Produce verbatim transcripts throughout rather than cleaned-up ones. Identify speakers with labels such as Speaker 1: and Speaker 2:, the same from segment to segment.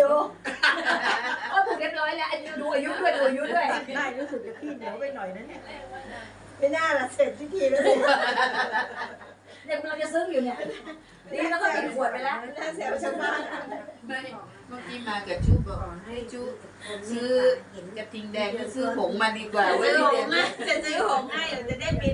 Speaker 1: ดูโอ้ผูกเรียบร้อยแล้วดูอายุด้วยดูอายุด้วย
Speaker 2: ได้รู้สึกจะขี้เหนียวไปหน่อยนะเนี่ยไม่น่าละเสร็จพิธีแล้วเนี่ย
Speaker 1: เนี่ยเราจะซึ้งอยู่เนี่ยนี่เราก็ปิดขวดไปแล้ว
Speaker 2: น่าเสียวชาวบ้าน
Speaker 3: ไม่เมื่อกี้มากับจุบอกให้จุซื้อกระทิงแดงก็ซื้อผงมาดีกว่าเว้ย
Speaker 2: ซื้อหงส์จะซื้อหงส์ให้เดี๋ยวจะได้บิน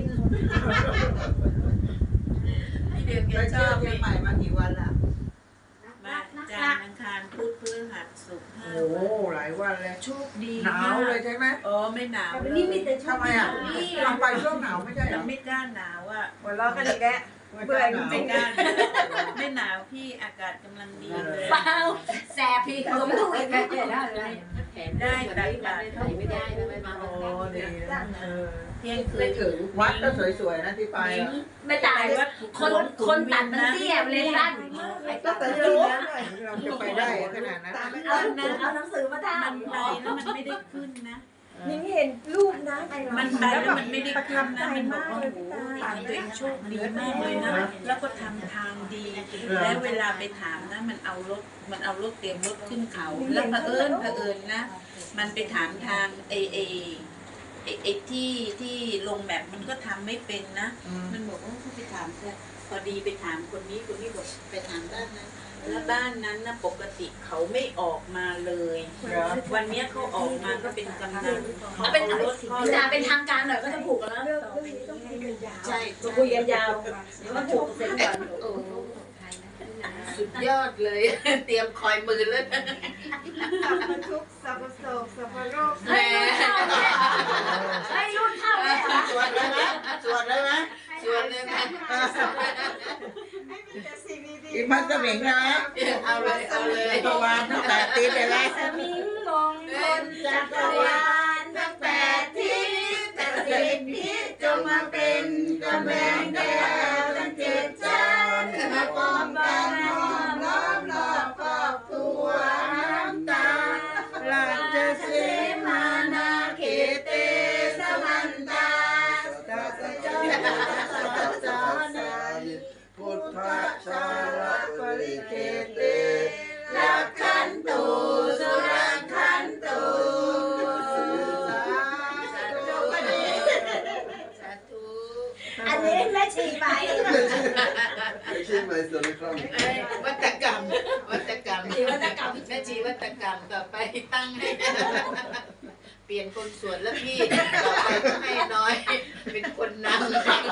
Speaker 3: พี่เดือนแก
Speaker 4: ไป
Speaker 3: ช
Speaker 4: เที่
Speaker 3: อ
Speaker 4: ยว
Speaker 3: บ
Speaker 4: เชียงใหม่มากี่วันล่ะ
Speaker 3: มาจันทร์อังคารพุธพฤหัสศุกร์ห้า
Speaker 4: โอ้
Speaker 3: วัน
Speaker 4: หลายวันเลย
Speaker 3: โชคดี
Speaker 4: หนาวเลยใช่ไหม
Speaker 3: อ๋อไม่หนาว
Speaker 1: แต่นี่มีแต่ชุด
Speaker 4: ทำไมอ่ะเราไปช่วงหนาวไม่ใช่เหร
Speaker 3: เรา
Speaker 4: อ
Speaker 3: ไม่กล้าหนาวอ่ะ
Speaker 2: หัวเราะกันอีกแล้วเบื่อจ
Speaker 3: ไม่
Speaker 2: ริง
Speaker 3: กล้าไม่หนาวพี่อากาศกำลังดีเลย
Speaker 1: เปล่าแสบพี่สมถูกเลยได้เลย
Speaker 3: ได้ตักบาตร
Speaker 1: ไม่ได้ไม่มา
Speaker 4: โอ้ดีนะเออ
Speaker 3: เที่ยงคืนถึง
Speaker 4: วัดก็สวยๆนะที่ไปอ่ะ
Speaker 1: ไม่ตายคนคนตัดมันเตี้ยมันเลยสั้น
Speaker 2: ก็แต่รู้
Speaker 4: เราจะไปได้ขนาดนั้น
Speaker 1: เอาเอาหนังสือมาท
Speaker 3: มันไปแล้วมันไม่ได้ขึ้นนะ
Speaker 2: นี่เห็นรูปนะ
Speaker 3: มันไปแล้วมันไม่ได้ขึ้นนะมันบอกว่าโอ้โหทางตัวเองโชคดีมากเลยนะ แล้วก็ทำทางดี แล้วเวลาไปถามนะมันเอารถมันเอารถเตรียมรถขึ้นเขา แล้วเผอิญเผอิญนะ มันไปถามทางเอเอไอไอที่ที่ลงแบบมันก็ทำไม่เป็นนะ มันบอกว่าไปถามแต่พอดีไปถามคนนี้คนนี้บอกไปถามด้านนั้น แล้วบ้านนั้นนะปกติเขาไม่ออกมาเลย วันนี้เขาออกมาก็เป็นกำนัน
Speaker 1: ำ
Speaker 3: เขา
Speaker 1: เป็น
Speaker 3: เอารถ
Speaker 1: จะเป็นทางการหน่อยก็จะผูกกันแล้ว
Speaker 2: เรื่องนี้ต้องคุยกันยาว
Speaker 3: ใช่
Speaker 1: จะคุยกันยาวเดี๋ยวมาผูกเสร็จก่อน
Speaker 3: โอ้สุดยอดเลย เตรียมคอยมือแล้วนะ
Speaker 2: สัพพทุกข์สัพพโศกสัพพโรค
Speaker 1: ให้รุ่นเข้าเลยเหรอ
Speaker 4: สวดเลยไหมสวดเลยไหม
Speaker 3: ชวนเลยนะ
Speaker 2: ให้มีแต่สิ่งดีๆ
Speaker 4: อีมันจะเหม่งนะ
Speaker 3: เอาเลยเอาเลย
Speaker 4: ประวานตั้งแต่ตีไปแล้ว
Speaker 1: สมิงมงคลจักรวาลทั้งแปดทิศแต่สิ่งที่จงมาเป็นกำแพงแก้วทั้งเจ็ดชั้นมาปองกันห้อมล้อมรอบครอบครัวน้ำตา
Speaker 4: ราช
Speaker 1: เส
Speaker 4: สี
Speaker 1: มานาเขเตสมันตา
Speaker 4: สัจจาสัจจานาพุทธชาลปริเกเต
Speaker 1: รักขันตุสุรักขันตุ
Speaker 3: สาธุ
Speaker 1: อันนี้แม่ชีไป
Speaker 5: ไม่ใช่ไหมสนิทครับ
Speaker 3: เอ้ยวัตกรรมวัตกรรมวัตกรรมแม่ชีวัตกรรมต่อไปตั้งให้เปลี่ยนคนสวดแล้วพี่ต่อไปก็ให้น้อย เป็นคนนำ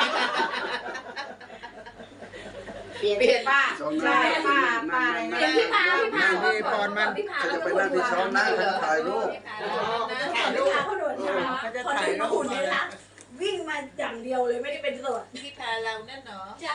Speaker 3: เปลี่ยนเปลี่ยนป้า
Speaker 5: ช้อน
Speaker 3: ใช่
Speaker 5: น้ำ
Speaker 3: ป้าป้า
Speaker 1: เดี๋ยวพี่พาพี่พา
Speaker 4: นี่ปอนมัน
Speaker 1: พี่พา
Speaker 5: จะไปนั่งที่ช้อนนั่งถ่ายรูป
Speaker 1: ถ่ายรูปเขาโดนใช่ไหมพอถึงมาหุ่นเนี่ยนะวิ่งมาอย่างเดียวเลยไม่ได้เป็นสด
Speaker 3: พี่พาเรานั่นเนาะ